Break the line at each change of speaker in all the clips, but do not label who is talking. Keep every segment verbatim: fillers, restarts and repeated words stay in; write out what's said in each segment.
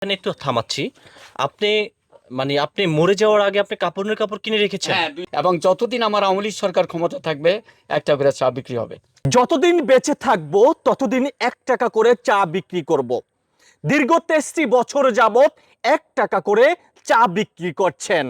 এখানে একটু থামাচ্ছি। আপনি মানে আপনি মরে যাওয়ার আগে আপনি কাপড়ের কাপড় কিনে রেখেছেন?
হ্যাঁ, দুই- এবং যতদিন আমার আওয়ামী লীগ সরকার ক্ষমতা থাকবে একটা করে চা বিক্রি হবে।
যতদিন বেঁচে থাকবো ততদিন এক টাকা করে চা বিক্রি করব। দীর্ঘ তেইশটি বছর যাবত এক টাকা করে চা বিক্রি করছেন।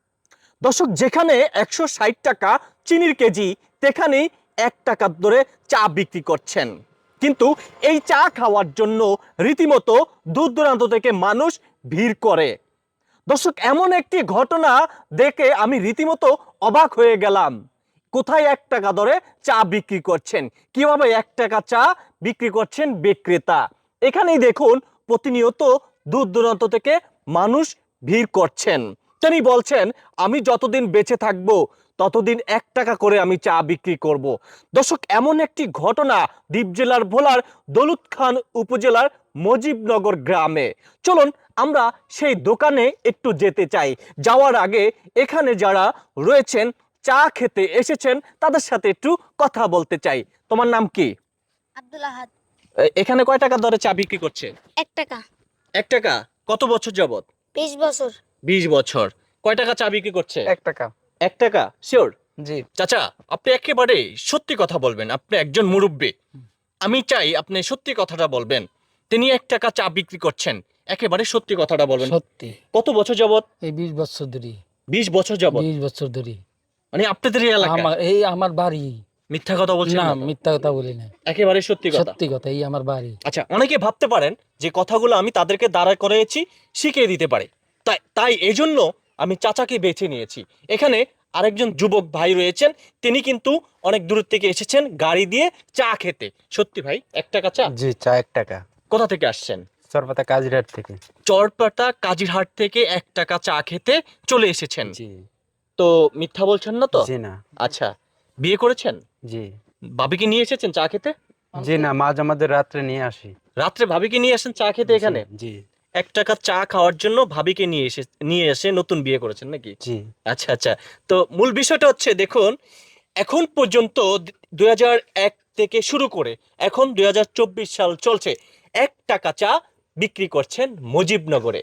দর্শক, যেখানে একশো ষাট টাকা চিনির কেজি, সেখানেই এক টাকা ধরে চা বিক্রি করছেন। কিন্তু এই চা খাওয়ার জন্য রীতিমতো দূর দূরান্ত থেকে মানুষ ভিড় করে। দর্শক, এমন একটি ঘটনা দেখে আমি রীতিমতো অবাক হয়ে গেলাম। কোথায় এক টাকা দরে চা বিক্রি করছেন, কিভাবে এক টাকা চা বিক্রি করছেন বিক্রেতা। এখানেই দেখুন, প্রতিনিয়ত দূর দূরান্ত থেকে মানুষ ভিড় করছেন। তিনি বলছেন, আমি যতদিন বেঁচে থাকবো ততদিন এক টাকা করে আমি চা বিক্রি করব। দর্শক, এমন একটি ঘটনা দ্বীপ জেলার ভোলার দৌলত খান উপজেলার মজিবনগর গ্রামে। চলুন আমরা সেই দোকানে একটু যেতে চাই। যাওয়ার আগে এখানে যারা রয়েছেন, চা খেতে এসেছেন, তাদের সাথে একটু কথা বলতে চাই। তোমার নাম কি?
আব্দুল আহাদ।
এ- এখানে কয় টাকা দরে চা বিক্রি করছে?
এক টাকা।
এক টাকা। কত বছর যাবত?
বিশ বছর।
বিশ বছর। কয় টাকা চা বিক্রি করছে?
এক টাকা।
এক টাকা শিওর?
জি।
চাচা, আপনি একেবারে সত্যি কথা বলবেন। আপনি একজন মুরব্বী, আমি চাই আপনি সত্যি কথাটা বলবেন। তিনি এক টাকা চা বিক্রি করছেন, একেবারে সত্যি কথাটা বলবেন।
সত্যি
কত বছর যাবত?
এই বিশ বছর ধরে।
বিশ বছর যাবত?
বিশ বছর ধরে
মানে আপনাদের এই এলাকা?
আমার এই আমার বাড়ি।
মিথ্যা কথা বলছেন
না,
না তো?
মিথ্যা কথা বলি না,
একেবারে সত্যি কথা।
সত্যি কথা, এই আমার বাড়ি।
আচ্ছা, অনেকে ভাবতে পারেন যে কথাগুলো আমি তাদেরকে দাঁড়া করিয়েছি, শিখিয়ে দিতে পারে, তাই তাই এই জন্য আমি চাচাকে বেছে নিয়েছি। এখানে আরেকজন যুবক ভাই রয়েছেন, তিনি কিন্তু অনেক দূর থেকে এসেছেন গাড়ি দিয়ে চা খেতে। সত্যি ভাই, এক টাকা চা?
জি, চা এক টাকা।
কোথা থেকে আসছেন?
চরপাতা কাজিরহাট থেকে।
চরপাটা কাজিরহাট থেকে এক টাকা চা খেতে চলে এসেছেন।
জি।
তো মিথ্যা বলছেন না তো?
জি না।
আচ্ছা, বিয়ে করেছেন?
জি।
ভাবিকে নিয়ে এসেছেন চা খেতে?
জি না, মাঝ আমাদের রাত্রে নিয়ে আসি।
রাত্রে ভাবিকে নিয়ে আসেন চা খেতে এখানে?
জি।
এক টাকা চা খাওয়ার জন্য ভাবিকে নিয়ে এসে নিয়ে এসে নতুন বিয়ে করেছেন নাকি?
জি।
আচ্ছা আচ্ছা। তো মূল বিষয়টা হচ্ছে, দেখুন, এখন পর্যন্ত দুই হাজার এক থেকে শুরু করে এখন দুই হাজার চব্বিশ সাল চলছে, এক টাকা চা বিক্রি করছেন মুজিবনগরে।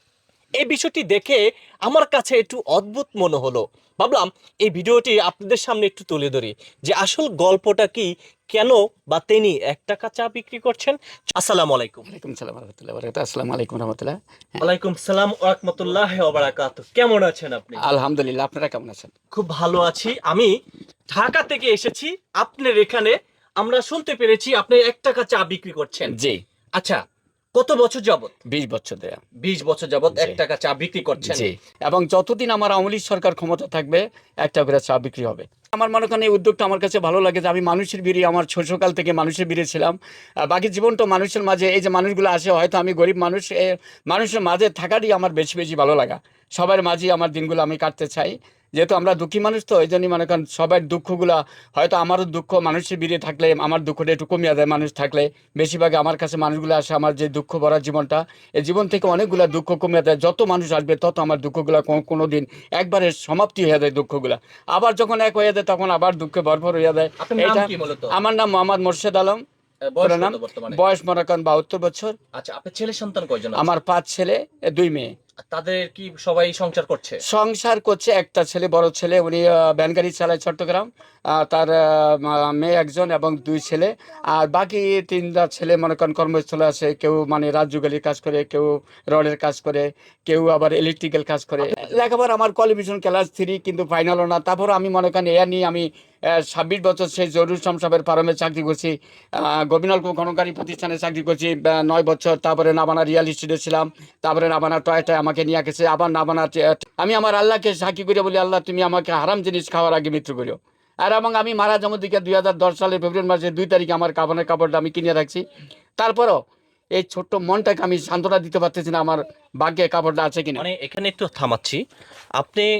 এই বিষয়টি দেখে আমার কাছে একটু অদ্ভুত মনে হলো। ভাবলাম এই ভিডিওটি আপনাদের সামনে একটু তুলে ধরি, যে আসল গল্পটা কি, কেন বা তিনি এক টাকা চা বিক্রি করছেন। আসসালামু আলাইকুম।
ওয়ালাইকুম সালাম রহমতুল্লাহ বারাকাতুহু। আসসালামু আলাইকুম রহমতুল্লাহ।
ওয়ালাইকুম সালাম ওয়া রাহমাতুল্লাহি ওয়া বারাকাতুহু। কেমন আছেন আপনি?
আলহামদুলিল্লাহ, আপনারা কেমন আছেন?
খুব ভালো আছি। আমি ঢাকা থেকে এসেছি আপনার এখানে। আমরা শুনতে পেরেছি আপনি এক টাকা চা বিক্রি করছেন।
জি।
আচ্ছা, কত বছর যাবত?
বিশ বছর ধরে।
বিশ বছর যাবত
জি।
এক টাকা চা বিক্রি করছেন?
জি। এবং যতদিন আমার আওয়ামী লীগ সরকার ক্ষমতা থাকবে একটা করে চা বিক্রি হবে। আমার মনে করেন এই উদ্যোগটা আমার কাছে ভালো লাগে, যে আমি মানুষের ভিড়ে, আমার শৈশবকাল থেকে মানুষের ভিড়ে ছিলাম। আহ, বাকি জীবনটা মানুষের মাঝে, এই যে মানুষগুলো আসে, হয়তো আমি গরিব মানুষ, এ মানুষের মাঝে থাকারই আমার বেশি বেশি ভালো লাগা। সবার মাঝে আমার দিনগুলো আমি কাটতে চাই, যেহেতু আমরা দুঃখী মানুষ, তো এই জন্যই মনে করেন সবার দুঃখগুলা, হয়তো আমারও দুঃখ মানুষের ভিড়ে থাকলে আমার দুঃখটা একটু কমিয়ে দেয়। মানুষ থাকলে বেশিরভাগ আমার কাছে মানুষগুলো আসে, আমার যে দুঃখ ভরা জীবনটা, এই জীবন থেকে অনেকগুলা দুঃখ কমিয়ে দেয়। যত মানুষ আসবে তত আমার দুঃখগুলা কোনো দিন একবারে সমাপ্তি হয়ে যায় দুঃখগুলা। আবার যখন এক হয়ে যায় তখন আবার দুঃখে ভরপুর হয়ে যায়।
আপনার নাম
এটা
কি মূলত?
আমার নাম মোহাম্মদ মোর্শেদ আলম।
বয়স
পুরো নাম,
কত বর্তমানে?
বয়স মনে করেন বাহাত্তর বছর।
আচ্ছা, আপনার ছেলে সন্তান কয়জন আছে?
আমার পাঁচ ছেলে, এ দুই মেয়ে।
তাদের কি সবাই সংসার করছে?
সংসার করছে একটা ছেলে, বড় ছেলে, উনি আহ, ভ্যান গাড়ি চালায় চট্টগ্রাম। আহ, তার আহ, মা- মেয়ে একজন এবং দুই ছেলে। আর বাকি তিনটা ছেলে মনে করেন কর্মস্থলে আছে। কেউ মানে রাজযোগালির কাজ করে, কেউ রডের কাজ করে, কেউ আবার ইলেকট্রিক্যাল কাজ করে। লেখাপড়া আমার কোয়ালিফিকেশন ক্লাস থ্রি, কিন্তু ফাইনালও না। তারপর আমি মনে করেন এয়া নিয়ে আমি ছাব্বিশ বছর সেই জরুর সাহেবের ফার্মে চাকরি করছি, গোবিনাল খননকারী প্রতিষ্ঠানে চাকরি করছি আহ, নয় বছর। তারপরে নাবানা রিয়াল এস্টেটে ছিলাম, তারপরে নাবানা টয়টায় আমাকে নিয়ে গেছে, আবার নাবানা। আমি আমার আল্লাহকে সাক্ষী করে বলি, আল্লাহ তুমি আমাকে হারাম জিনিস খাওয়ার আগে মৃত্যু করিও। আর এবং আমি মারা যাওয়ার দিকে দুই হাজার দশ সালের ফেব্রুয়ারি মাসের দুই তারিখে আমার কাপড়ের কাপড়টা আমি কিনে রাখছি। তারপরও এই ছোট্ট মনটাকে আমি সান্ত্বনা দিতে পারতেছি না, আমার ভাগ্যে কাপড়টা আছে কিনা।
মানে এখানে একটু থামাচ্ছি। আপনি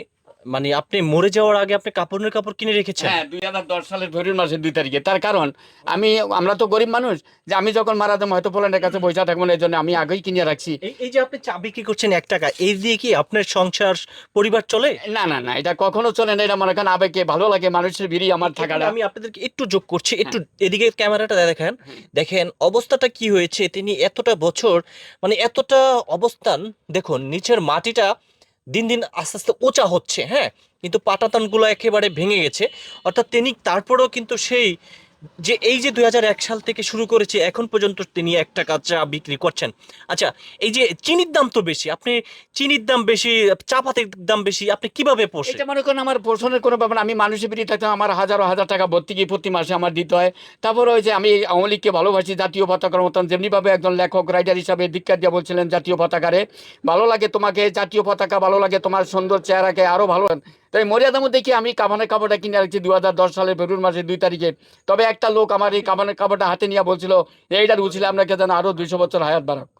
মানে আপনি মরে যাওয়ার আগে আপনি কাপড়ের কাপড় কিনে রেখেছেন?
হ্যাঁ, দুই হাজার দশ সালের ফেব্রুয়ারি মাসের দুই তারিখে। তার কারণ আমি আমরা তো গরিব মানুষ, যে আমি যখন মারা যাবো হয়তো পোল্যান্ডের কাছে পয়সা থাকবো না, এই জন্য আমি আগেই কিনে রাখছি।
এই এই যে আপনি চা বিক্রি করছেন এক টাকা, এই দিয়ে কি আপনার সংসার পরিবার চলে?
না না না, এটা কখনো চলে না। এটা মনে করেন আবেগে ভালো লাগে, মানুষের ভিড়ি আমার থাকাটা।
আমি আপনাদেরকে একটু যোগ করছি, একটু এদিকে ক্যামেরাটা দেখেন। দেখেন অবস্থাটা কি হয়েছে, তিনি এতটা বছর মানে এতটা অবস্থান, দেখুন নিচের মাটিটা দিন দিন আস্তে আস্তে উঁচা হচ্ছে, হ্যাঁ, কিন্তু পাটাতনগুলো একেবারে ভেঙে গেছে। অর্থাৎ তিনি তারপরেও কিন্তু সেই যে এই যে দুই হাজার এক সাল থেকে শুরু করেছে এখন পর্যন্ত তিনি এক টাকা চা বিক্রি করছেন। আচ্ছা, এই যে চিনির দাম তো বেশি, আপনি চিনির দাম বেশি, চা পাতির দাম বেশি, আপনি কিভাবে পোষেন?
এটা মনে করেন আমার পোষণের কোনো ব্যাপার না। আমি মানুষের বিড়ি থাকতাম, আমার হাজারো হাজার টাকা ভর্তি প্রতি মাসে আমার দিতে হয়। তারপরে ওই যে আমি আওয়ামী লীগকে ভালোবাসি, জাতীয় পতাকার মতন যেমনিভাবে একজন লেখক রাইটার হিসাবে ধিক্কার দিয়া বলছিলেন জাতীয় পতাকারে, ভালো লাগে তোমাকে জাতীয় পতাকা, ভালো লাগে তোমার সুন্দর চেহারাকে আরো ভালো। তাই মর্যাদার মধ্যে কি আমি কাবানের কাপড়টা কিনে রাখছি দু হাজার দশ সালের ফেব্রুয়ারি মাসের দুই তারিখে। তবে একটা লোক আমার এই কাবানের কাপড়টা হাতে নিয়ে বলছিল এইটার উচিলে আপনাকে যেন আরো দুইশো বছর হায়াত বাড়াক।